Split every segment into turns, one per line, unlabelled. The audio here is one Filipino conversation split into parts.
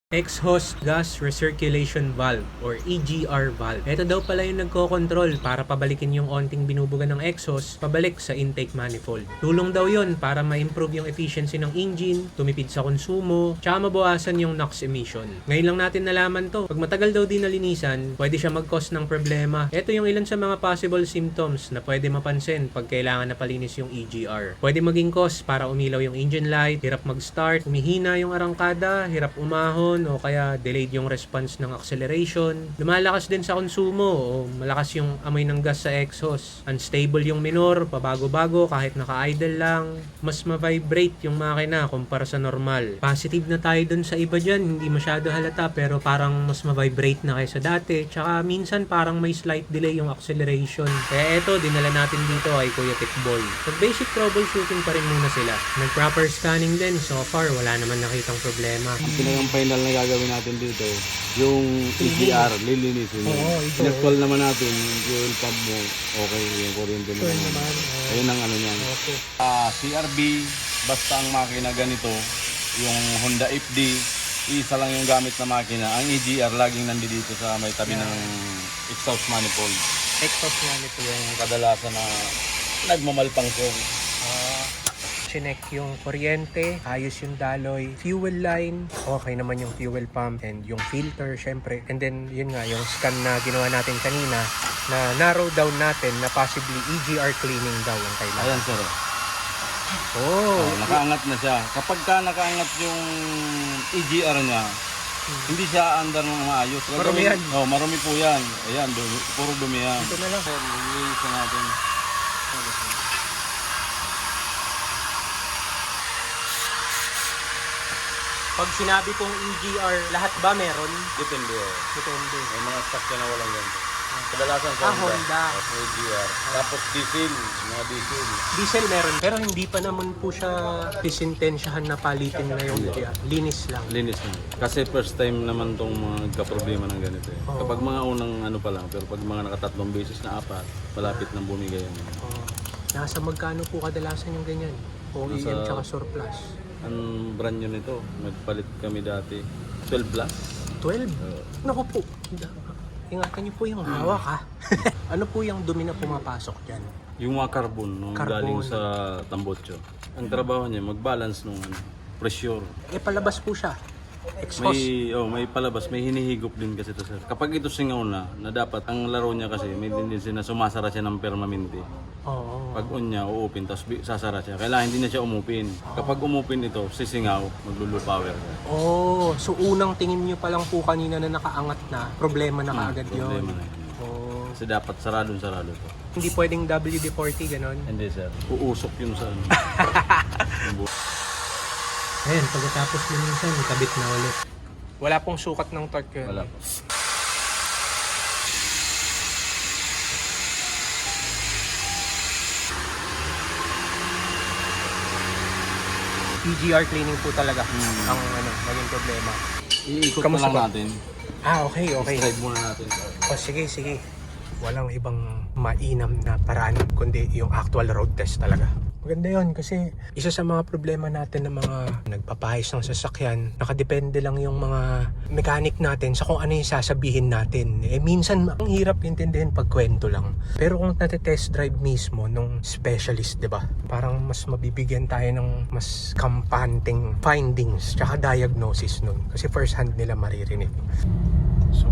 Exhaust Gas Recirculation Valve or EGR valve. Ito daw pala yung nagko-control para pabalikin yung onting binubuga ng exhaust pabalik sa intake manifold. Tulong daw yon para ma-improve yung efficiency ng engine, tumipid sa konsumo, tsaka mabawasan yung NOx emission. Ngayon lang natin nalaman to. Pag matagal daw din nalinisan, pwede siya mag-cause ng problema. Ito yung ilan sa mga possible symptoms na pwede mapansin pag kailangan na palinis yung EGR. Pwede maging cause para umilaw yung engine light, hirap mag-start, humihina yung arangkada, hirap umahon, o kaya delayed yung response ng acceleration. Lumalakas din sa konsumo o malakas yung amoy ng gas sa exhaust. Unstable yung minor, pabago-bago kahit naka-idle lang. Mas ma-vibrate yung makina kumpara sa normal. Positive na tayo dun sa iba dyan, hindi masyado halata pero parang mas ma-vibrate na kaysa dati. Tsaka minsan parang may slight delay yung acceleration. Kaya eto, dinala natin dito kay Kuya Tikboy. Pag-basic troubleshooting pa rin muna sila. Nag-proper scanning din. So far, wala naman nakitang problema.
Ito na yung final na gagawin natin dito, yung EGR, lilinisin mo. Inactual naman natin yung fuel pump mo, okay, yung kuryente mo naman. Ayun ang ano niyan. CRB, basta ang makina ganito, yung Honda FD, isa lang yung gamit na makina. Ang EGR laging nandito sa may tabi ng exhaust manifold.
Exhaust manifold.
Yung kadalasan na nagmamalpangsong.
Chinek yung kuryente, ayos yung daloy, fuel line, okay naman yung fuel pump and yung filter syempre. And then yun nga yung scan na ginawa natin kanina na narrow down natin na possibly EGR cleaning daw ang kailangan.
Ayan sir. Nakaangat na siya. Kapag ka nakaangat yung EGR niya, hindi siya under ng maayos.
Marumi yan.
Marumi po yan. Ayan, puro dumi yan.
Ito na lang.
Sir, lilisan natin.
Pag sinabi kong EGR, lahat ba meron?
Depende.
Depende.
May mga stock na walang ganito. Kadalasan sa
Honda.
EGR. Tapos diesel. Mga diesel.
Diesel meron, pero hindi pa naman po siya disintensyahan na palitin na yung linis lang.
Linis na. Kasi first time naman tong mga nagka-problema ng ganito. Kapag mga unang ano pa lang, pero pag mga nakatatlong beses na apat, malapit nang bumigay yan.
Nasa magkano po kadalasan yung ganyan? OEM tsaka surplus?
Ang brand nyo nito, nagpalit kami dati. 12 plus.
12? Naku po. Ingatan niyo po yung hawak ha. Ano po yung dumi na pumapasok dyan?
Yung mga carbon, nung galing sa tambotso. Ang trabaho niya, mag-balance nung pressure.
Palabas po siya. Exhaust.
May palabas, may hinihigop din kasi ito sir. Kapag ito singaw na dapat, ang laro niya kasi, may tendency na sumasara siya ng permanente. Pag on niya, uupin, tapos sasara siya. Kailangan hindi na siya umupin. Kapag umupin ito, sisingaw, maglulu power.
So unang tingin niyo pa lang po kanina na nakaangat na, problema na kaagad yun.
Problema na yun. Kasi dapat sarado to.
Hindi pwedeng WD-40, ganon?
Hindi sir. Uusok yun sa ano.
Ayan, pagkatapos minsan, kabit na ulit. Wala pong sukat ng torque yun.
Wala po.
EGR cleaning po talaga ang naging problema.
Iikot na
Kamusta
lang
ba?
natin.
Okay.
Drive muna natin.
Sige. Walang ibang mainam na paraan kundi yung actual road test talaga. Maganda yun kasi isa sa mga problema natin ng mga nagpapahayos ng sasakyan, nakadepende lang yung mga mechanic natin sa kung ano yung sasabihin natin. Minsan ang hirap intindihin pag kwento lang. Pero kung natetest drive mismo nung specialist, di ba? Parang mas mabibigyan tayo ng mas kampanteng findings tsaka diagnosis nun. Kasi first hand nila maririnig. So,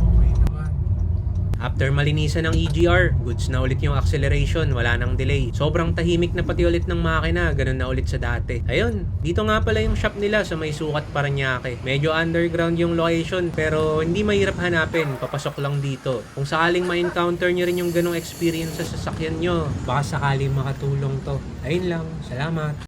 after malinisan ng EGR, goods na ulit yung acceleration, wala nang delay. Sobrang tahimik na pati ulit ng makina, ganun na ulit sa dati. Ayun, dito nga pala yung shop nila sa may Sukat, Parañaque. Medyo underground yung location pero hindi mahirap hanapin, papasok lang dito. Kung sakaling ma-encounter nyo rin yung ganong experience sa sasakyan nyo, baka sakaling makatulong to. Ayun lang, salamat.